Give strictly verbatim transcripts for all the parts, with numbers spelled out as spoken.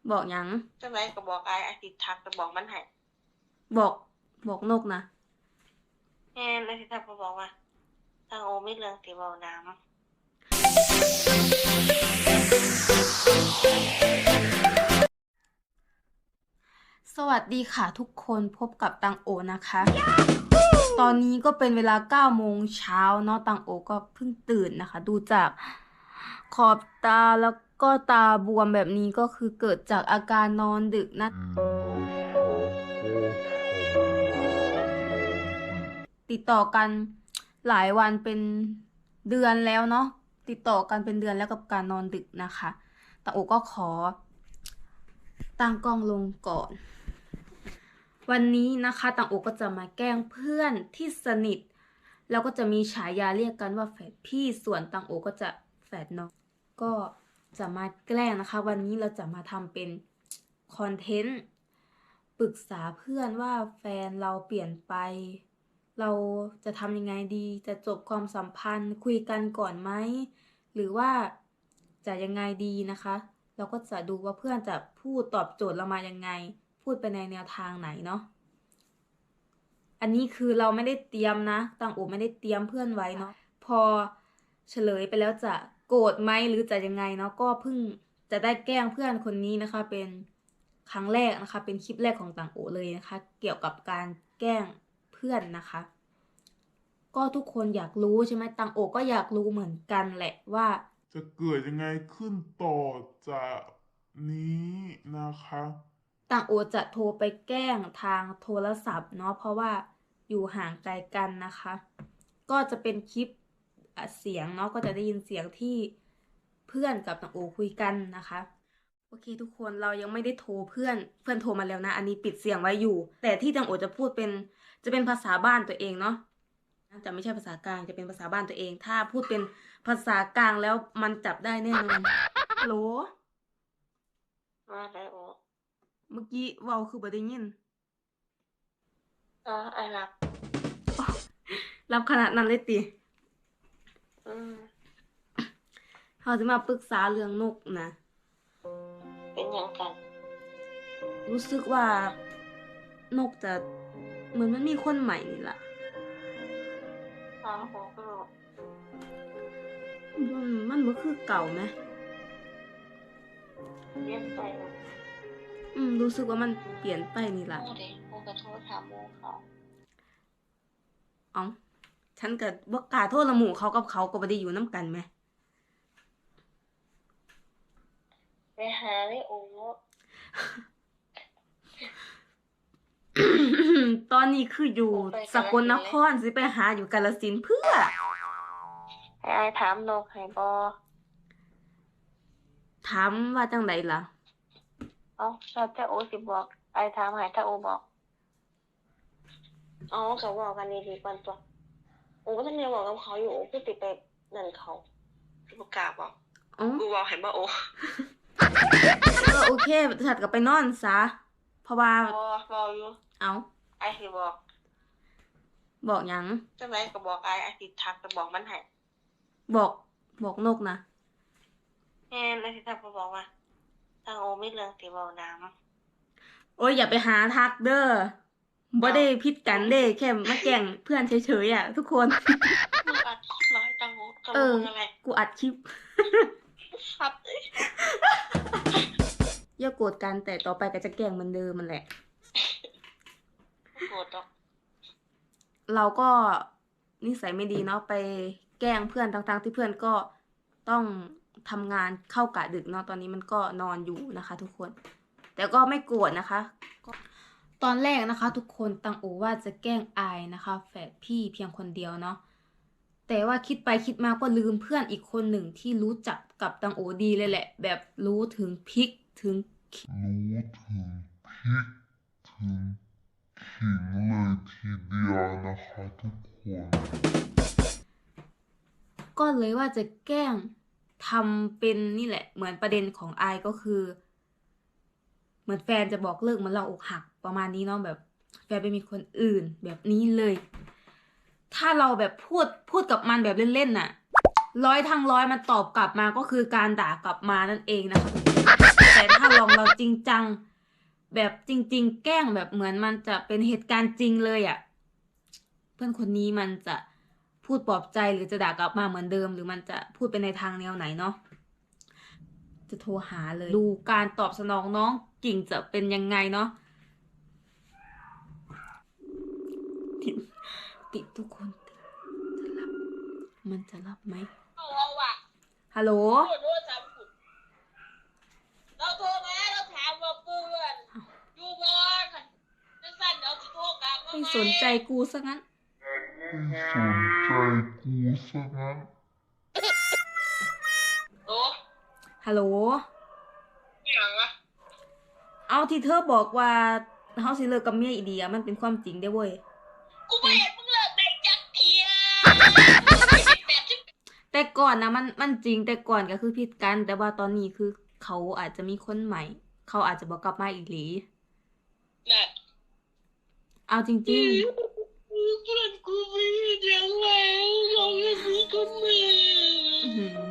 บอกหยังจังไดก็บอกอ้ายอ้ายสิทักไปบอกมันให้บอกบอกนกนะแม่นอ้ายสิทักไปบอกว่าทางโอมีเรื่องสิเว้านำสวัสดีค่ะทุกคนพบกับตังโอนะคะ ตอนนี้ก็เป็นเวลาเก้าโมงเช้าเนาะตังโอก็เพิ่งตื่นนะคะ ดูจากขอบตาแล้วก็ตาบวมแบบนี้ก็คือเกิดจากอาการนอนดึกนะ ติดต่อกันหลายวันเป็นเดือนแล้วเนาะติดต่อกันเป็นเดือนแล้วกับการนอนดึกนะคะตังโอก็ขอตั้งกล้องลงก่อน วันนี้นะคะตังโอก็จะมาแกล้งเพื่อนที่สนิทแล้วก็จะมีฉายาเรียกกันว่าแฝดพี่ส่วนตังโอก็จะแฝดน้องก็จะมาแกล้งนะคะ วันนี้เราจะมาทำเป็นคอนเทนต์ปรึกษาเพื่อนว่าแฟนเราเปลี่ยนไป เราจะทำยังไงดีจะจบความสัมพันธ์คุยกันก่อนไหมหรือว่าจะยังไงดีนะคะเราก็จะดูว่าเพื่อนจะพูดตอบโจทย์เรามายังไงพูดไปในแนวทางไหนเนาะอันนี้คือเราไม่ได้เตรียมนะตังโอไม่ได้เตรียมเพื่อนไว้เนาะพอเฉลยไปแล้วจะโกรธไหมหรือจะยังไงเนาะก็เพิ่งจะได้แกล้งเพื่อนคนนี้นะคะ เป็นครั้งแรกนะคะเป็นคลิปแรกของตังโอเลยนะคะ เกี่ยวกับการแกล้งเพื่อนนะคะ ก็ทุกคนอยากรู้ใช่ไหมตังโอก็อยากรู้เหมือนกันแหละว่าจะเกิดยังไงขึ้นต่อจากนี้นะคะตังโอจะโทรไปแกล้งทางโทรศัพท์เนาะเพราะว่าอยู่ห่างไกลกันนะคะ ก็จะเป็นคลิปเสียงเนาะก็จะได้ยินเสียงที่เพื่อนกับตังโอคุยกันนะคะโอเคทุกคนเรายังไม่ได้โทรเพื่อนเพื่อนโทรมาแล้วนะอันนี้ปิดเสียงไว้อยู่ แต่ที่ตังโอจะพูดเป็นจะเป็นภาษาบ้านตัวเองเนาะจะไม่ใช่ภาษากลางจะเป็นภาษาบ้านตัวเองถ้าพูดเป็นภาษากลางแล้วมันจับได้แน่นอนฮัลโหลว่าได้โอเมื่อกี้เว้าคือบ่ได้ยินอ๋ออ้ายรับรับขนาดนั้นเลยติอืมเขาจะมาปรึกษาเรื่องนกนะเป็นหยังกันรู้สึกว่านกจะเหมือนมันมีคนใหม่นี่ล่ะอ้าวโหก็มันมันบ่คือเก่าไหมเรียนไปแล้วอืมรู้สึกว่ามันเปลี่ยนไปนี่ล่ะโอ้เด้โอ้ก็โทรถามหมู่เขาเอ้าฉันก็บ่กล้าโทษละหมู่เขากับเขาก็บ่ได้อยู่นํกันแหมไปหาเลยโอตอนนี้คืออยู่สกลนครสิไปหาอยู่กาฬสินธุ์เพื่อให้อ้ายถามนกให้บ่ถามว่าจังไดล่ะเอ้าแล้วแต่โอสิบอกอ้ายถามให้ถ้าโอบอกอ๋อก็เว้ากันดีๆก่อนตัวโอก็ทันได้เว้ากับเขาอยู่โอคือสิไปนั่นเขาสิบ่กล้าบอกอ๋อกูเว้าให้บ่โอเออโอเคฉันก็ไปนอนซะเพราะว่าบ่เว้าอยู่เอ้าอ้ายสิบอกบอกหยังจังไดก็บอกอ้ายอ้ายสิทักไปบอกมันให้บอกบอกนกนะแม่นอ้ายสิทักไปบอกว่าทางโอมีเรื่องสิเว้านำโอ้ยอย่าไปหาทักเด้อบ่ได้ผิดกันเด้แค่มาแกล้งเพื่อนเฉยๆอ่ะทุกคนมึงอัดคลิปเหรอให้ตังโอกับเออมึงอะไรกูอัดคลิปครับอย่าโกรธกันแต่ต่อไปก็จะแกล้งเหมือนเดิมมันแหละบ่โกรธดอกเราก็นิสัยไม่ดีเนาะไปแกล้งเพื่อนทั้งๆที่เพื่อนก็ต้องทำงานเข้ากะดึกเนาะตอนนี้มันก็นอนอยู่นะคะ ทุกคน แต่ก็ไม่โกรธนะคะก็ตอนแรกนะคะ ทุกคนตังโอว่าจะแกล้งอายนะคะแฝดพี่เพียงคนเดียวเนาะแต่ว่าคิดไปคิดมาก็ลืมเพื่อนอีกคนหนึ่งที่รู้จักกับตังโอดีเลยแหละ แบบรู้ถึงพริกถึงรู้ถึงพริกถึงขิงเลยทีเดียวนะคะทุกคนก็เลยว่าจะแกล้งทำเป็นนี่แหละ เหมือนประเด็นของอายก็คือ เหมือนแฟนจะบอกเลิกเหมือนเราอกหักประมาณนี้เนาะแบบแฟนไปมีคนอื่นแบบนี้เลย ถ้าเราแบบพูดพูดกับมันแบบเล่นๆน่ะร้อยทั้งร้อยมันตอบกลับมาก็คือการด่ากลับมานั่นเองนะคะแต่ถ้าลองเราจจริงจังแบบจริงๆแกล้งแบบเหมือนมันจะเป็นเหตุการณ์จริงเลยอะ่ะเพื่อนคนนี้มันจะพูดปลอบใจหรือจะด่ากลับมาเหมือนเดิมหรือมันจะพูดไปในทางแนวไหนเนาะจะโทรหาเลยดูการตอบสนองน้องกิ่งจะเป็นยังไงเนาะติดติดทุกคนติดจะรับมันจะรับไหมเราอะฮัลโหลโทรโทรศัพท์กูเราโทรมาเราถามว่าเพื่อนอยู่บ้านจะสั่นเอาสิโทรกลับมาไม่ไหมสนใจกูซะงั้นไม่สนใจกูซะงั้นโอ้ฮัลโหลไม่หยังอะเอาที่เธอบอกว่าเฮาสิเลิกกับเมียอีเดียมันเป็นความจริงได้เว้ยกูไม่เห็นมึงเลิกได้จักเทียแปดสิบแต่ก่อนนะมันมันจริงแต่ก่อนก็คือผิดกัน แต่ว่าตอนนี้คือเขาอาจจะมีคนใหม่ เขาอาจจะบอกกลับมาอีกหลีน่ะเอาจริงเพื่อนกูไม่เห็นยังไงเรายังมีคนใหม่ๆ อื้อหือ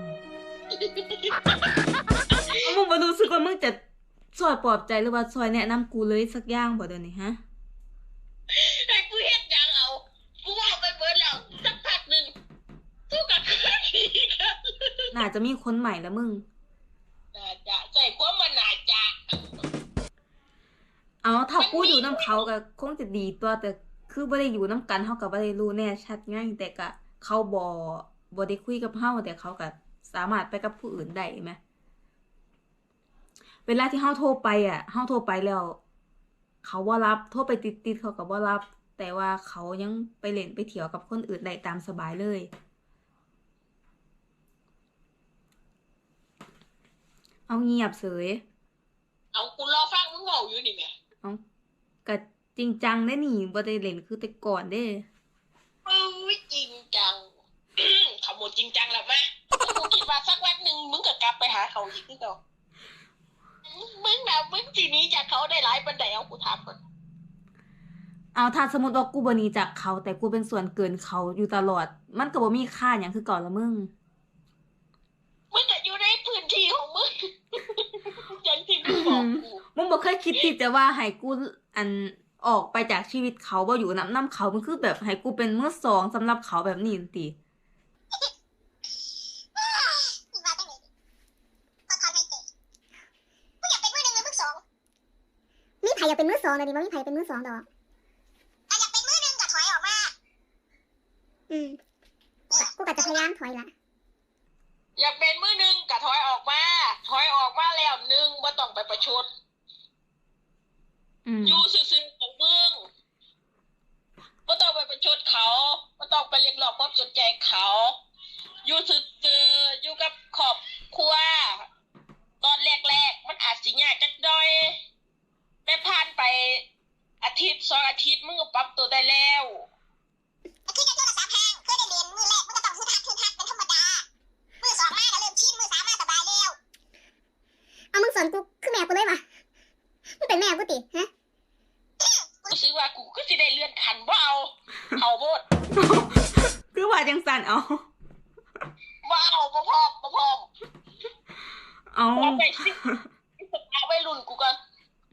เอามึงบ่รู้สึกว่ามึงจะซอยปลอบใจหรือว่าซอยแนะนำกูเลยสักอย่างบ่เดี๋ยวนี้ฮะให้กูเฮ็ดหยังเอากูบอกไปเบิดแล้วสักพักหนึ่งกูกับคืนอีกครับน่าจะมีคนใหม่แล้วมึงน่าจะใส่ความมันน่าจะเอาถ้ากูอยู่น้ำเขาก็คงจะดีตัวแต่คือบ่ได้อยู่น้ำกันเฮาก็บ่ได้รู้แน่ชัดไงแต่ก็เขาบ่บ่ได้คุยกับเฮาแต่เขาก็สามารถไปกับผู้อื่นได้แหมเวลาที่เฮาโทรไปอ่ะเฮาโทรไปแล้ว เขาบ่รับโทรไปติดๆเขาก็บ่รับ แต่ว่าเขายังไปเล่นไปเที่ยวกับคนอื่นได้ตามสบายเลย เอาเงียบเสยเอากูรอฟังมึงเว้าอยู่นี่แหม่เอาก็จริงจังได้นี่บ่ได้เล่นคือแต่ก่อนเด้โอ้ยจริงจัง ขโมยจริงจังแล้วไหมกูคิดว่าสักวันหนึ่งมึงก็กลับไปหาเขาอีกคือเก่ามึงน่ะมึงสิหนี้จากเขาได้หลายปานใดเอากูถามก่อนเอาถ้าสมมติว่ากูบ่หนีจากเขาแต่กูเป็นส่วนเกินเขาอยู่ตลอด มันก็บ่มีค่าหยังคือก่อนละมึงมึงก็อยู่ในพื้นที่ของมึง อย่างที่มึงบอกกูมึงบ่เคยคิดที่จะว่าให้กูอันออกไปจากชีวิตเขาบ่อยู่นำนำเขามันคือแบบให้กูเป็นมือสองสำหรับเขาแบบนี้ติว่าจังได๋พอถอนหายใจกูอยากเป็นมือหนึ่งหรือมือสองมีไผอยากเป็นมือสองเดี๋ยวนี้บ่มีไผเป็นมือสองดอกถ้าอยากเป็นมือหนึ่งก็ถอยออกมา อืมกูก็จะพยายามถอยละอยากเป็นมือหนึ่งก็ถอยออกมา ถอยออกมาแล้วหนึ่งบ่ต้องไปประชดอืมอยู่ซื่อๆของมึงบ่ต้องไปประชดเขาบ่ต้องไปเรียกร้องความสนใจเขา อยู่ซื่อๆอยู่กับครอบครัว ตอนแรกๆมันอาจสิยากจักหน่อยแต่ผ่านไปอาทิตย์สองอาทิตย์มึงก็ปรับตัวได้แล้วแต่คือจะโทรศัพท์ห่างเคยได้เรียนมือแรกมันก็ต้องฮึดฮัดฮึดฮัดเป็นธรรมดา มือสองมาก็เริ่มชินมือสามมาสบายแล้ว เอามึงสอนกูคือแม่กูเลยวะมึงเป็นแม่กูติฮะรู้สึกว่ากูก็สิได้เลื่อนขั้นบ่เอาเอาโบดคือว่าจังสั่นเอาบ่เอาบ่พร้อมบ่พร้อมเอาเอาไปสิเอาไปรุ่นกูก่อน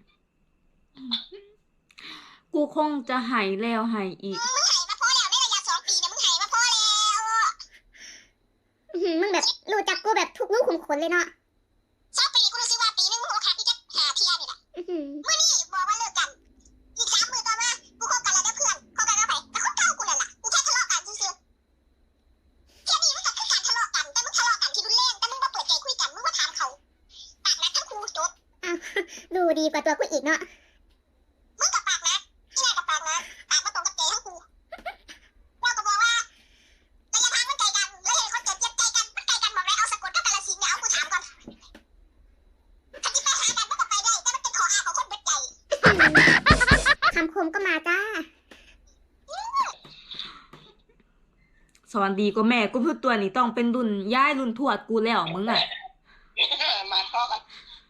กูคงจะใหายแล้วใหายอีกมึงไห้มาพอแล้วในระยะสองปีเนี่ยมึงไห้มาพอแล้วอื้อหือมึงแบบรู้จักกูแบบทุกลูกขุมขนเลยเนาะสองปีกูรู้สึกว่าปีนึงมึงโอคาที่จะหาเทียนี่แหละมื้อนี้บอกว่าเลิกกัน อีกสามมื้อต่อมากูคบกันแล้วเด้อเพื่อนคบกันกับไผแต่คนเก่ากูนั่นล่ะกูแค่ทะเลาะกันซื่อๆแค่นี้มันก็คือการทะเลาะกันแต่มึงทะเลาะกันที่รุนแรงแต่มึงบ่เปิดใจคุยกันมึงบ่ถามเขาปากนัดทั้งคู่จบอ้าวดูดีกว่าตัวกูอีกเนาะมึงกับปากนัดที่ไหนกับปากนัดปากบ่ตรงกับใจทั้งคู่เราก็บอกว่าระยะทางมันไกลกันแล้วเห็นคนเจ็บเจ็บใจกันมันไกลกันบอกเลยเอาสะกดกับกาฬสินธุ์เนี่ยเอากูถามก่อนถ้าจิไปหากันมันก็ไปได้แต่มันเป็นข้ออ้างของคนเบิดใจคำคมก็มาจ้าสอนดีกว่าแม่กูพูดตัวนี้ต้องเป็นรุ่นย่ายรุ่นทวดกูแล้วมึงอ่ะมาเข้ากัน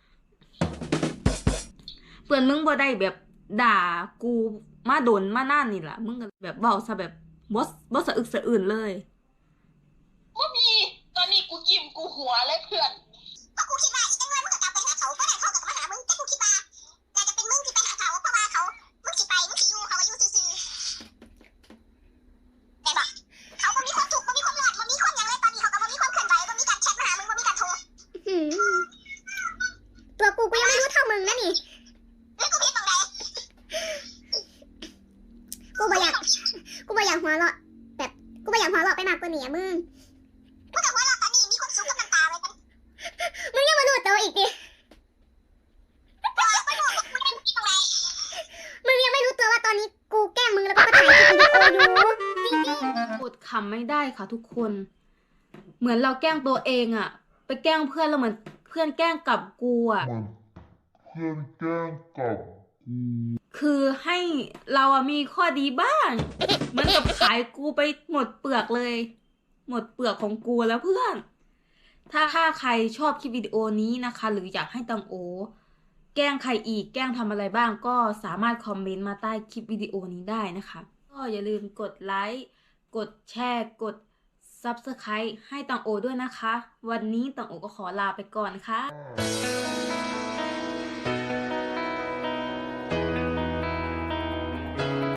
เปื่อนมึงบ่ได้แบบด่ากูมาโดนมานานนี่ล่ะ มึงก็แบบเว้าซะแบบบ่บ่สะอึกสะอื่นเลยบ่มี ตอนนี้กูยิ้มกูหัวเลยเพื่อนเพราะกูคิดว่าอีกจังเลยมึงก็กลับไปหาเขาก็ได้เขาก็กลับมาหามึงแต่กูคิดว่าตัวกูกูยังไม่รู้เท่ามึงนะนี่กูผิดตรงไหนกูบ่อยากกูบ่อยากหัวเราะแบบกูบ่อยากหัวเราะไปมากกว่านี้อะมึงกูแต่หัวเราะตอนนี้มีความสุขกับน้ำตาไว้กันมึงยังมารู้ตัวอีกดิมึงยังไม่รู้ตัวว่าตอนนี้กูแกล้งมึงแล้วก็ถ่ายคลิปวิดีโออยู่จริงๆอดขำไม่ได้ค่ะทุกคน เหมือนเราแกล้งตัวเองอะไปแกล้งเพื่อนแล้วเหมือนเพื่อนแกล้งกลับกูอะเหมือนเพื่อนแกล้งกับกูคือให้เราอะมีข้อดีบ้าง เหมือนกับขายกูไปหมดเปลือกเลย หมดเปลือกของกูแล้วเพื่อน ถ้าถ้าใครชอบคลิปวิดีโอนี้นะคะ หรืออยากให้ตังโอ แกล้งใครอีกแกล้งทำอะไรบ้างก็สามารถคอมเมนต์มาใต้คลิปวิดีโอนี้ได้นะคะ ก็อย่าลืมกดไลค์กดแชร์กด ซับสไครบ์ ให้ตังโอด้วยนะคะ วันนี้ตังโอก็ขอลาไปก่อนค่ะ